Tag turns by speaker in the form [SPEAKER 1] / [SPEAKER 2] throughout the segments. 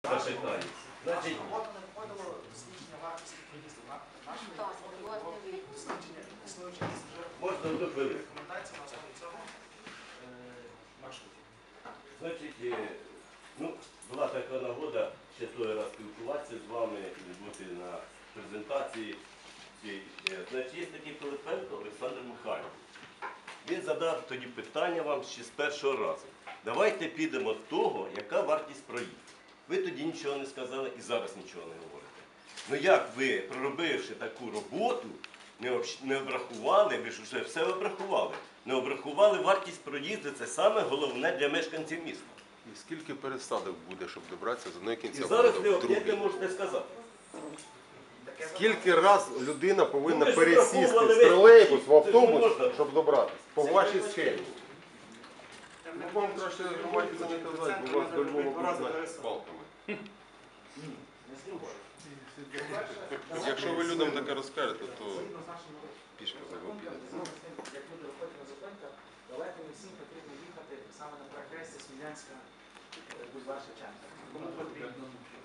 [SPEAKER 1] запитається. Значить,
[SPEAKER 2] Робота не входило зниження вартості проїзду. Наше дослідження існуючих
[SPEAKER 1] можна одну хвилину.
[SPEAKER 2] рекомендацій на основі цього маршрутів.
[SPEAKER 1] Значить, була така нагода ще той раз спілкуватися з вами і бути на презентації. Значить, є такий Пилипенко Олександр Михайлович. Він задав тоді питання вам ще з першого разу. Давайте підемо з того, яка вартість проїзду. Ви тоді нічого не сказали і зараз нічого не говорите. Ну як ви, проробивши таку роботу, не обрахували, ви ж вже все обрахували, не обрахували вартість проїзду, це саме головне для мешканців міста.
[SPEAKER 3] І скільки пересадок буде, щоб добратися з одної
[SPEAKER 1] І
[SPEAKER 3] кінця
[SPEAKER 1] зараз
[SPEAKER 3] в
[SPEAKER 1] ви
[SPEAKER 3] другий?
[SPEAKER 1] як ви можете сказати?
[SPEAKER 3] Скільки раз людина повинна
[SPEAKER 1] ви ж
[SPEAKER 3] пересісти
[SPEAKER 1] обраховували
[SPEAKER 3] з тролейбус в
[SPEAKER 1] це ж не
[SPEAKER 3] автобус,
[SPEAKER 1] можна.
[SPEAKER 3] щоб добратися? По вашій схемі. Ну, вам краще громаді це не казати, бо вас до Львова будуть з палками. Якщо ви людям таке розкажете, то пішки за його підете.
[SPEAKER 2] Як люди виходять на зупинках, далеко не всім потрібно їхати саме на перехресті Смілянська бульвар Шевченка. Кому потрібно?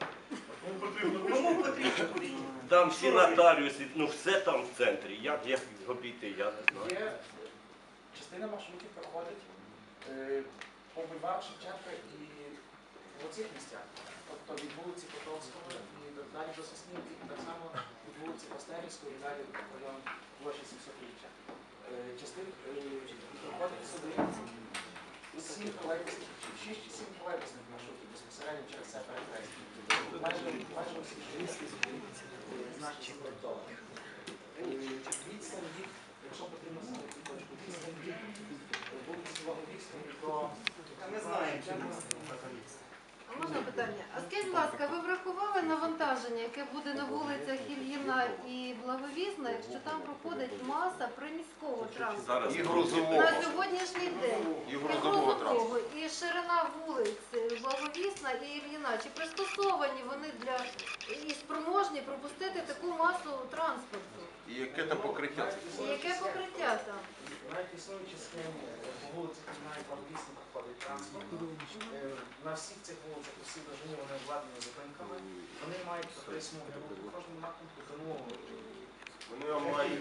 [SPEAKER 1] Кому потрібно? Там всі нотаріуси, все там в центрі. Як обійти, я не знаю.
[SPEAKER 2] Є частина маршрутів проходить по бульвару Шевченка і в оцих місцях. Тобто від вулиці Котовського і далі до Соснівки, і так само від вулиці Пастерівської і далі в район площі 700-річчя. Частина проходить сюди 7 тролейбусних, 6 чи 7 тролейбусних маршрутів безпосередньо через це перехрестя. Майже усі жінські зупинці значно спроектовані. Відстань їх, якщо потрібно знайти точку, відстань їх вулиці Логовівської до... Ми знаємо, чому
[SPEAKER 4] А можна питання? А скажіть, будь ласка, ви врахували навантаження, яке буде на вулицях Ільїна і Благовісна, якщо там проходить маса приміського транспорту?
[SPEAKER 3] І грузового.
[SPEAKER 4] На сьогоднішній день
[SPEAKER 3] І грузового
[SPEAKER 4] грузового, і ширина вулиць Благовісна і Ільїна, чи пристосовані вони для і спроможні пропустити таку масу транспорту?
[SPEAKER 3] І яке там покриття?
[SPEAKER 4] І яке покриття там?
[SPEAKER 2] Навіть існуючі схеми по вулицях Ільїна і Благовісна проходить транспорт. На всіх цих вулицях, усі довжині вони обладнані зупинками. Вони мають по 3 смуги руху в кожному напрямку до нового.
[SPEAKER 3] Вони мають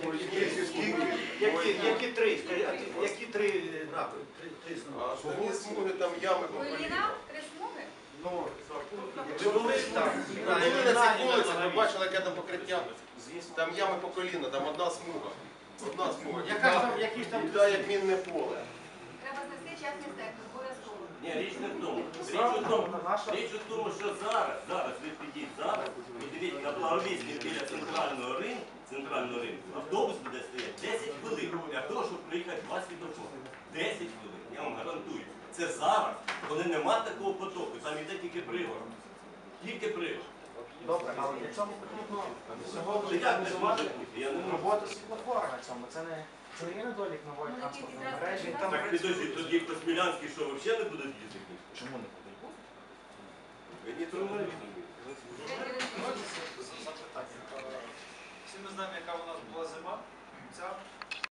[SPEAKER 5] Які три? Які три напрямки?
[SPEAKER 3] А самі смуги там ями по коліна.
[SPEAKER 6] Коліна? 3 смуги?
[SPEAKER 2] Ну,
[SPEAKER 5] Ви були там?
[SPEAKER 3] Ви були на цих вулицях, ви бачили, яке там покриття? Там ями по коліна, там одна смуга. Одна смуга.
[SPEAKER 5] Які ж там?
[SPEAKER 3] Біда, як мінне поле.
[SPEAKER 6] Треба знести частний сектор, обов'язково.
[SPEAKER 1] Ні, річ не в тому. Річ у тому, що зараз ви підіть зараз, подивіться на Благовісній біля центрального ринку, автобус буде стояти 10 хвилин для того, щоб приїхати 20 світлофори. 10 хвилин, я вам гарантую. Це зараз, коли нема такого потоку, там іде тільки пригород. Тільки пригород.
[SPEAKER 2] добре, але для цього потрібно сьогодні
[SPEAKER 1] Як не
[SPEAKER 2] організувати
[SPEAKER 1] може бути? Я не можу.
[SPEAKER 2] роботу світлофора на цьому. Це не є недолік нової транспортної мережі.
[SPEAKER 1] Так підожди, тоді по Смілянській що, взагалі не будуть їздити?
[SPEAKER 2] Чому не?